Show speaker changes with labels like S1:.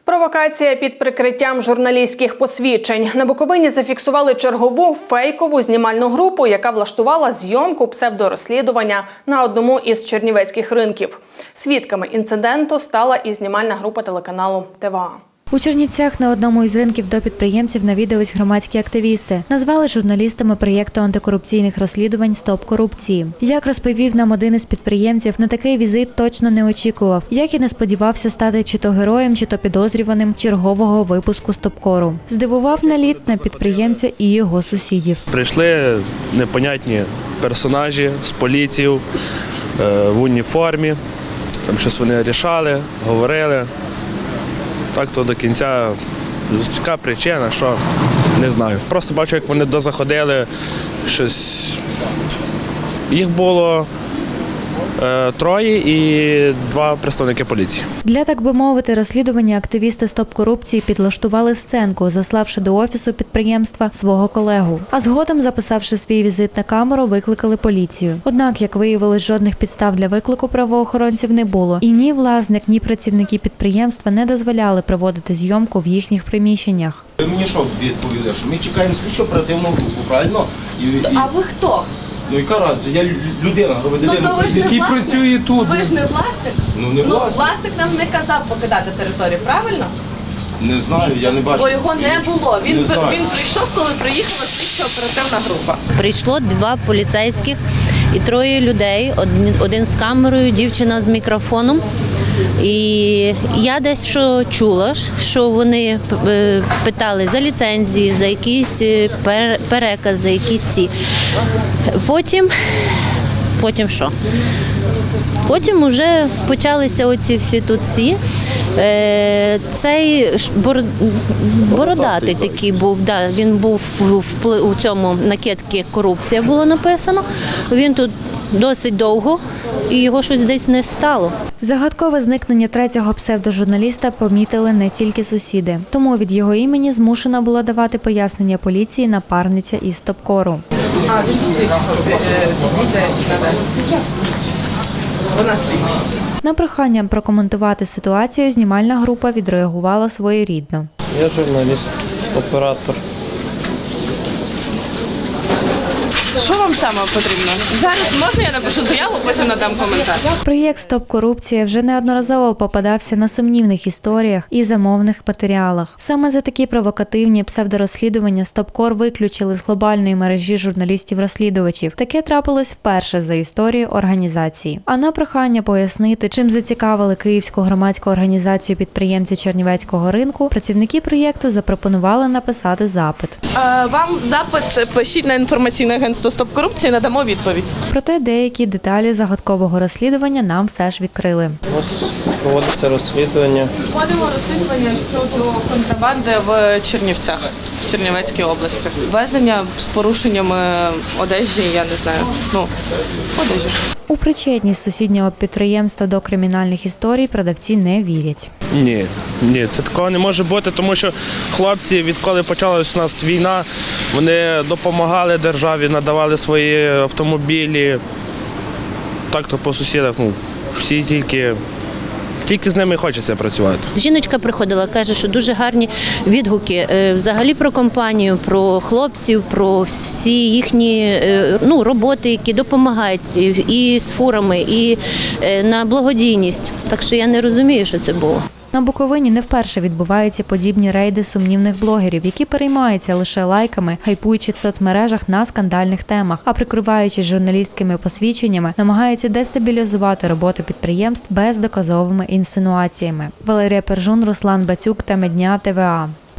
S1: Провокація під прикриттям журналістських посвідчень. На Буковині зафіксували чергову фейкову знімальну групу, яка влаштувала зйомку псевдорозслідування на одному із чернівецьких ринків. Свідками інциденту стала і знімальна група телеканалу ТВА.
S2: У Чернівцях на одному із ринків до підприємців навідались громадські активісти. Назвали журналістами проєкту антикорупційних розслідувань «Стоп корупції». Як розповів нам один із підприємців, на такий візит точно не очікував. Як і не сподівався стати чи то героєм, чи то підозрюваним чергового випуску «Стопкору». Здивував наліт на підприємця і його сусідів.
S3: Прийшли непонятні персонажі з поліцією в уніформі. Там щось вони рішали, говорили. Так то до кінця, яка причина, що, не знаю. Просто бачу, як вони дозаходили, щось. Їх було троє і два представники поліції.
S2: Для, так би мовити, розслідування активісти «Стоп корупції» підлаштували сценку, заславши до офісу підприємства свого колегу. А згодом, записавши свій візит на камеру, викликали поліцію. Однак, як виявилось, жодних підстав для виклику правоохоронців не було. І ні власник, ні працівники підприємства не дозволяли проводити зйомку в їхніх приміщеннях.
S4: Ви мені що відповіли, що ми чекаємо слідчо-оперативну групу, правильно?
S5: А ви хто?
S4: Ну яка разниця? Я людина, громадянин,
S5: який
S4: працює тут.
S5: Ви ж не власник?
S4: Ну не власник.
S5: Власник нам не казав покидати територію, правильно?
S4: Не знаю, я не бачу.
S5: Бо його не було. Він
S4: Не знаю.
S5: прийшов, коли приїхала слідчо-оперативна група.
S6: Прийшло 2 поліцейських і 3 людей, один з камерою, дівчина з мікрофоном. І я десь що чула, що вони питали за ліцензії, за якісь переказ, за якісь ці. Потім що? Потім вже почалися оці всі тут всі. Цей бородатий такий був, да, він був у цьому накидці «Корупція» було написано. Він тут досить довго, і його щось десь не стало.
S2: Загадкове зникнення третього псевдожурналіста помітили не тільки сусіди. Тому від його імені змушена була давати пояснення поліції напарниця із «Стопкору».
S5: А, він слідчий. Вона слідча.
S2: На прохання прокоментувати ситуацію знімальна група відреагувала своєрідно.
S7: Я журналіст, оператор.
S5: Що вам саме потрібно? Зараз можна я напишу заяву, потім надам коментар.
S2: Проєкт «Стоп корупція» вже неодноразово попадався на сумнівних історіях і замовних матеріалах. Саме за такі провокативні псевдорозслідування «Стопкор» виключили з глобальної мережі журналістів-розслідувачів. Таке трапилось вперше за історію організації. А на прохання пояснити, чим зацікавили Київську громадську організацію підприємці Чернівецького ринку, працівники проєкту запропонували написати запит.
S5: Вам запит пишіть на інформаційне агентство «Стоп корупції», надамо відповідь.
S2: Проте деякі деталі загадкового розслідування нам все ж відкрили.
S7: Ось проводиться розслідування.
S5: Проводимо розслідування щодо контрабанди в Чернівцях, в Чернівецькій області. Везення з порушеннями одежі, я не знаю, одежі.
S2: У причетність сусіднього підприємства до кримінальних історій продавці не вірять.
S3: Ні, це такого не може бути, тому що хлопці, відколи почалась у нас війна, вони допомагали державі, надавали свої автомобілі. Так-то по сусідах, всі тільки з ними хочеться працювати.
S6: Жіночка приходила, каже, що дуже гарні відгуки взагалі про компанію, про хлопців, про всі їхні роботи, які допомагають і з фурами, і на благодійність. Так що я не розумію, що це було.
S2: На Буковині не вперше відбуваються подібні рейди сумнівних блогерів, які переймаються лише лайками, хайпуючи в соцмережах на скандальних темах, а прикриваючись журналістськими посвідченнями, намагаються дестабілізувати роботу підприємств бездоказовими інсинуаціями. Валерія Пержун, Руслан Бацюк, Теми дня, ТВА.